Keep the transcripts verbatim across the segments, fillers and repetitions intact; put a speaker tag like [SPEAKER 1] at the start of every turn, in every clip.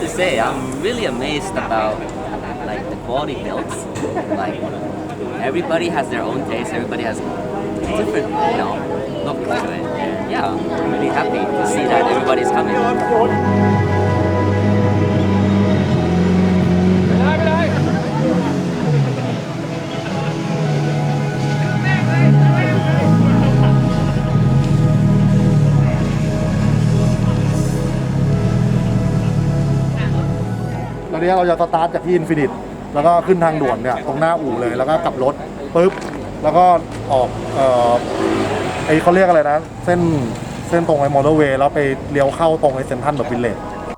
[SPEAKER 1] say, I'm really amazed about like the quality builds. Like everybody has their own taste. Everybody has different, you know, look to it. And yeah, I'm really happy to see that everybody's coming.
[SPEAKER 2] ตอนนี้เราจะสตาร์ทจากที่อินฟินิตแล้วก็ขึ้นทางด่วนเนี่ยตรงหน้าอู่เลยแล้วก็กลับรถปุ๊บแล้วก็ออกเอ่อไอเขาเรียกอะไรนะเส้นเส้นตรงไอมอเตอร์เวย์แล้วไปเลี้ยวเข้าตรงไอเซ็นทรัลแบบวิลเลจ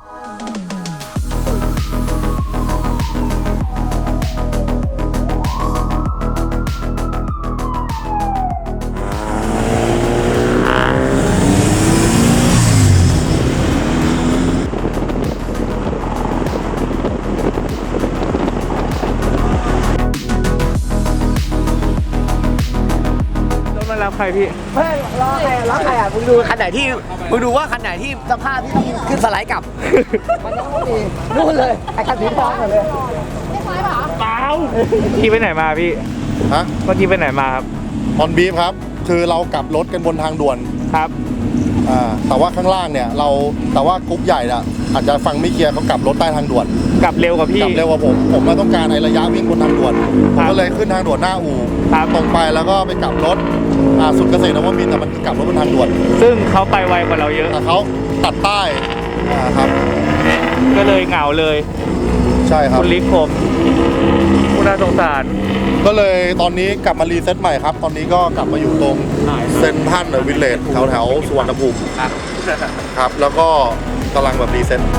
[SPEAKER 3] รับใครพี่
[SPEAKER 4] ไม่รอใครรับใครอ่ะมึงดูคันไหนที่มึงดูว่าคันไหนที่สภาพที่ต้องขึ้นสไลด์กลับ มันต้องมีนู่นเลยไอ้คันสีทองเลยไม่ใช่ป่ะเปล่า
[SPEAKER 3] พี่ไปไหนมาพี่
[SPEAKER 2] ฮะ
[SPEAKER 3] เมื่อกี้ไปไหนมาครับ
[SPEAKER 2] ออนบีฟครับคือเรากลับรถกันบนทางด่วน
[SPEAKER 3] ครับ
[SPEAKER 2] อ่าแต่ว่าข้างล่างเนี่ยเราแต่ว่ากรุ๊ปใหญ่อะอาจจะฟังไม่เคลียร์เขากลับรถใต้ทางด่วน
[SPEAKER 3] กลับเร็วกว่าพี่
[SPEAKER 2] กลับเร็วกว่าผมผมมาต้องการในระยะวิ่งบนทางด่วนผมก็เลยขึ้นทางด่วนหน้าอู่
[SPEAKER 3] ครับ
[SPEAKER 2] ตรงไปแล้วก็ไปกลับรถอ่าสุดเกษตรนวมินทร์แต่มันคือกลับรถบนทางด่วน
[SPEAKER 3] ซึ่งเขาไปไวกว่าเราเยอะ
[SPEAKER 2] แต่เขาตัดใต้อ่าครับ
[SPEAKER 3] ก็เลยเหงาเลย
[SPEAKER 2] ใช่ครับ
[SPEAKER 3] คุณลิกผมคุณน่าสงสาร
[SPEAKER 2] ก็เลยตอนนี้กลับมารีเซ็ตใหม่ครับ ตอนนี้ก็กลับมาอยู่ตรงเซนทรัลวิลเลจแถวแถวๆสุวรรณภูมิครับ แล้วก็กำลังแบบรีเซ็ต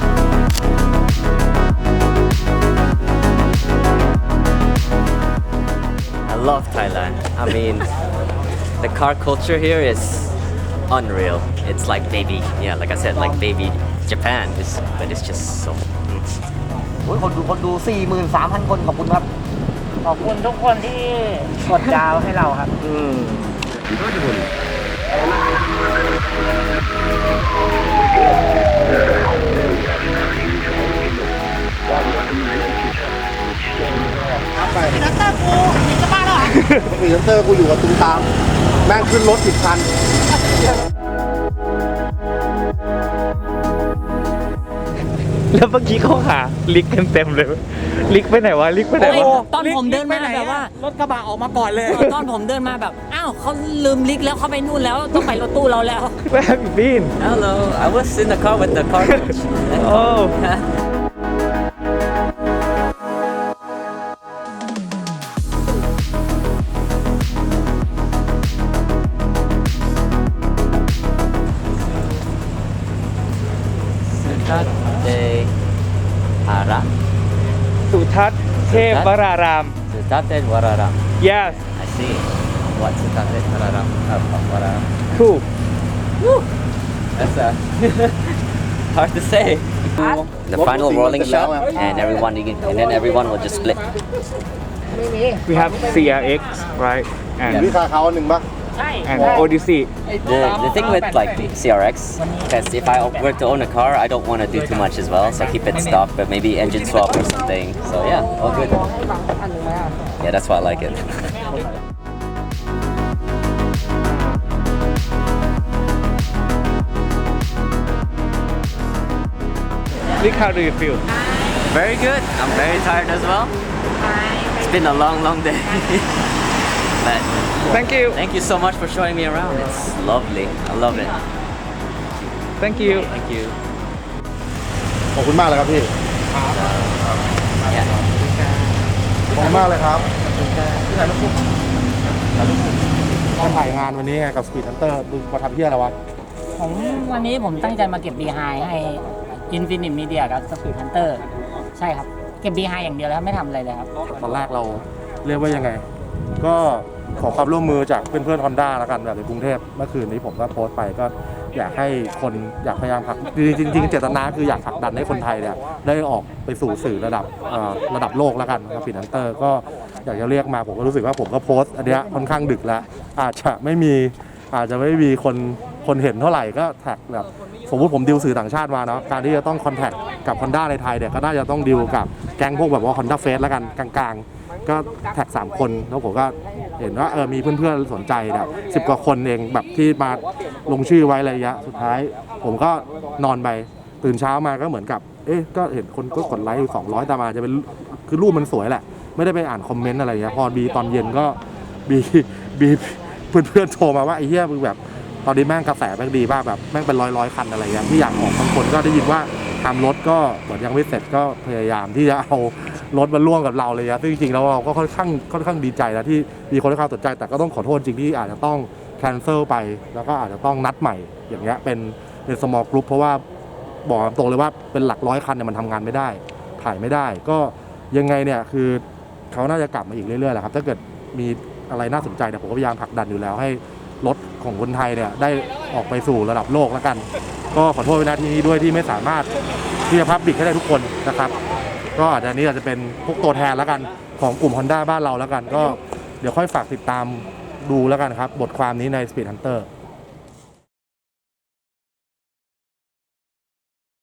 [SPEAKER 1] I love Thailand. I mean, the car culture here is unreal. It's like baby, yeah, like I said, like baby Japan. It's, but it's just so. Mm.
[SPEAKER 4] โอ้ยคนดูคนดู สี่หมื่นสามพัน คนขอบคุณครับ
[SPEAKER 5] ขอบคุณทุกคนที่กดดาวให้เราครับ
[SPEAKER 3] อืม
[SPEAKER 2] ปีนัตเตอร์กูจะบ้าแล้วเหรอปีนัตเตอร์กูอยู่กับตุ้มตามแม่งขึ้นรถสิบคัน
[SPEAKER 3] แล้วเมื่อกี้เขาหาลิกกันเต็มเลย ลิกไปไหนวะ ลิกไปไหนวะ
[SPEAKER 5] ตอนผมเดินมาแบบว่าร
[SPEAKER 4] ถกระบะออกมาก่อนเลย
[SPEAKER 5] ตอนผมเดินมาแบบ อ้าวเขาลืมลิกแล้วเขาไปนู่นแล้วต้องไปรถตู้เราแล้ว
[SPEAKER 3] Where have you been?
[SPEAKER 1] Hello, I was in the car with the car coach.
[SPEAKER 3] Oh.
[SPEAKER 1] Sutate Hara.
[SPEAKER 3] สุทัศน์เทพวราราม
[SPEAKER 1] Sutate Wararam.
[SPEAKER 3] Yes.
[SPEAKER 1] I see. What Sutate Wararam? Oh, Wararam.
[SPEAKER 3] Cool.
[SPEAKER 1] That's uh, hard to say. The final rolling shot, and everyone, you can, and then everyone will just split.
[SPEAKER 3] We have ซี อาร์ เอ็กซ์ right
[SPEAKER 2] มี
[SPEAKER 3] and
[SPEAKER 2] คาเขาอันหนึ่งปะ
[SPEAKER 3] and Odyssey.
[SPEAKER 1] The, the thing with like the C R X, because if I were to own a car, I don't want to do too much as well, so I keep it stock, but maybe engine swap or something. So yeah, all good. Yeah, that's why I like it.
[SPEAKER 3] Lick, how do you feel?
[SPEAKER 1] Very good. I'm very tired as well. It's been a long, long day. But
[SPEAKER 3] Thank you.
[SPEAKER 1] thank you so much for showing me around. It's lovely. I love it.
[SPEAKER 3] Thank you.
[SPEAKER 1] Thank you.
[SPEAKER 2] ขอบคุณมากเลยครับพี่
[SPEAKER 1] Yeah.
[SPEAKER 2] ขอบคุณมากเลยครับที่ไหนลูกคุณมาถ่ายงานวันนี้ไงกับสปีดฮันเตอร์ดูมาทำเที่ยอะไรวะ
[SPEAKER 5] ผมวันนี้ผมตั้งใจมาเก็บ บี ไฮ ให้ Infinite Media กับ Speed Hunter ใช่ครับ เก็บ บี ไฮ อย่างเดียวแล้วไม่ทำอะไรเลยครับ
[SPEAKER 2] ตอนแรกเราเรียกว่ายังไง ก็ขอความร่วมมือจากเพื่อนๆ Honda แล้วกันแบบในกรุงเทพเมื่อคืนนี้ผมก็โพสต์ไปก็อยากให้คนอยากพยายามผลักจริงๆจริงๆเจตนาคืออยากผลักดันให้คนไทยเนี่ยได้ออกไปสู่สื่อระดับเอ่อระดับโลกแล้วกันครับฟินแลนเตอร์ก็อยากจะเรียกมาผมก็รู้สึกว่าผมก็โพสต์อันเนี้ยค่อนข้างดึกแล้วอาจจะไม่มีอาจจะไม่มีคนคนเห็นเท่าไหร่ก็แท็กแบบโฟสมมุติผมดิวสื่อต่างชาติมาเนาะการที่จะต้องคอนแทคกับ Honda ในไทยเนี่ยก็น่าจะต้องดิวกับแก๊งพวกแบบว่า Honda Face แล้วกันกลางๆ ก็แท็กสามคนแล้วผมก็เห็นว่าเออมีเพื่อนๆสนใจแบบสิบกว่าคนเองแบบที่มาลงชื่อไว้อะไรเงี้ยสุดท้ายผมก็นอนไปตื่นเช้ามาก็เหมือนกับเอ๊ะก็เห็นคนก็กดไลค์อยู่สองร้อยแต่มาจะเป็นคือรูปมันสวยแหละไม่ได้ไปอ่านคอมเมนต์อะไรเงี้ยพอบีตอนเย็นก็บีบีเพื่อนๆโทรมาว่าไอ้เหี้ยมึงแบบตอนนี้แม่งกระแสแม่งดีมากแบบแม่งเป็นร้อยร้อยคันอะไรเงี้ยที่อยากออกบางคนก็ได้ยินว่าทำรถก็เหมือนยังไม่เสร็จก็พยายามที่จะเอารถมาร่วมกับเราเลยนะซึ่งจริงๆแล้วเราก็ค่อนข้างค่อนข้างดีใจนะที่มีคนให้ความสนใจแต่ก็ต้องขอโทษจริงที่อาจจะต้องแคนเซิลไปแล้วก็อาจจะต้องนัดใหม่อย่างเงี้ยเป็นเป็น small group เพราะว่าบอกตรงเลยว่าเป็นหลักร้อยคันเนี่ยมันทำงานไม่ได้ถ่ายไม่ได้ก็ยังไงเนี่ยคือเขาน่าจะกลับมาอีกเรื่อยๆแหละครับถ้าเกิดมีอะไรน่าสนใจเนี่ยผมก็พยายามผลักดันอยู่แล้วให้รถของคนไทยเนี่ยได้ออกไปสู่ระดับโลกแล้วกันก็ขอโทษในนาทีนี้ด้วยที่ไม่สามารถที่จะพับบิกให้ได้ทุกคนนะครับก็อาจจะนี้อาจจะเป็นพวกตัวแทนแล้วกันของกลุ่ม Honda บ้านเราแล้วกันก็เดี๋ยวค่อยฝากติดตามดูแล้วกันครับบทความนี้ใน Speed Hunter